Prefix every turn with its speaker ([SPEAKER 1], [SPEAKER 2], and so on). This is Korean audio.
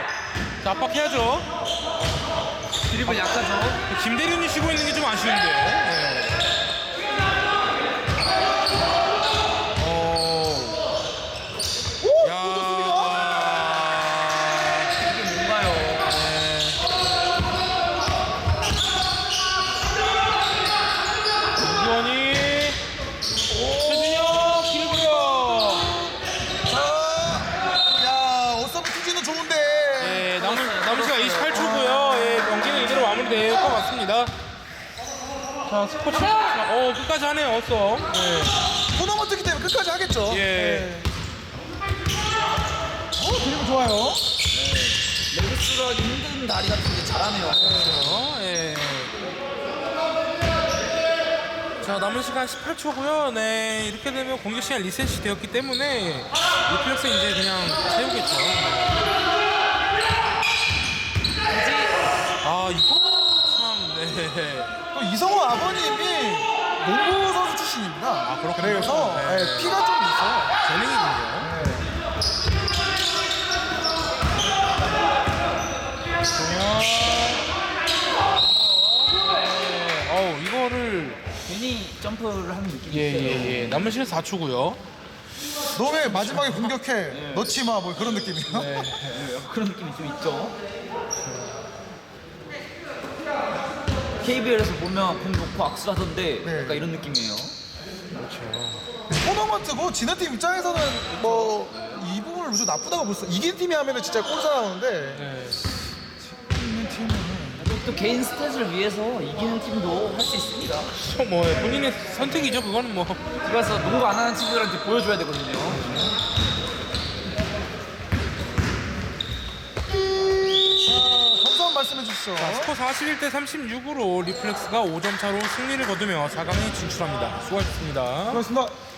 [SPEAKER 1] 자, 압박해야죠.
[SPEAKER 2] 드리블 약하죠.
[SPEAKER 1] 김대륜이 쉬고 있는 게 좀 아쉬운데요. 네. 야.
[SPEAKER 2] 이게 뭔가요?
[SPEAKER 1] 이원이 최준혁 길고요.
[SPEAKER 3] 야, 어썸 투지는 좋은데.
[SPEAKER 1] 네, 남은 시간 28초고요. 예, 경기는 이대로 마무리될 것 같습니다. 자, 스포츠. 끝까지 하네요, 어썸. 네.
[SPEAKER 3] 토너먼트기 때문에 끝까지 하겠죠.
[SPEAKER 1] 예.
[SPEAKER 3] 드리블 좋아요.
[SPEAKER 2] 레그스가 힘든 다리 같은데 잘하네요.
[SPEAKER 1] 예. 자, 남은 시간 18초고요. 네, 이렇게 되면 공격 시간 리셋이 되었기 때문에 리플렉스 이제 그냥 채우겠죠. 아, 이거 참, 네.
[SPEAKER 3] 또 이성호 아버님이 농구 선수 출신입니다.
[SPEAKER 1] 아, 그렇군요.
[SPEAKER 3] 그래서
[SPEAKER 1] 네.
[SPEAKER 3] 예, 피가 좀 있어요.
[SPEAKER 1] 재능이군요. 이거를
[SPEAKER 2] 괜히 점프를 하는 느낌이 있어요.
[SPEAKER 1] 예. 남은 시간 4초고요.
[SPEAKER 3] 너 왜 마지막에 공격해? 넣지 마, 뭐 그런 느낌이요.
[SPEAKER 1] 네.
[SPEAKER 2] 그런 느낌이 좀 있죠. KBL에서 보면 공 놓고 악수하던데
[SPEAKER 3] 네.
[SPEAKER 2] 약간 이런 느낌이에요.
[SPEAKER 3] 토너먼트고 지는 팀 입장에서는 뭐 이 부분을 무슨 나쁘다고 볼 수. 이긴 팀이 하면은 진짜 꼴사 나오는데
[SPEAKER 1] 네.
[SPEAKER 3] 이기는 팀은
[SPEAKER 2] 또 개인 스탯을 위해서 이기는 팀도 할 수 있습니다.
[SPEAKER 1] 뭐 본인의 선택이죠. 그거는 뭐.
[SPEAKER 2] 그래서 농구 안 하는 친구들한테 보여줘야 되거든요.
[SPEAKER 3] 감사한 말씀해 주시죠.
[SPEAKER 1] 스코어 41대 36으로 리플렉스가 5점 차로 승리를 거두며 4강에 진출합니다. 수고하셨습니다.
[SPEAKER 3] 고맙습니다.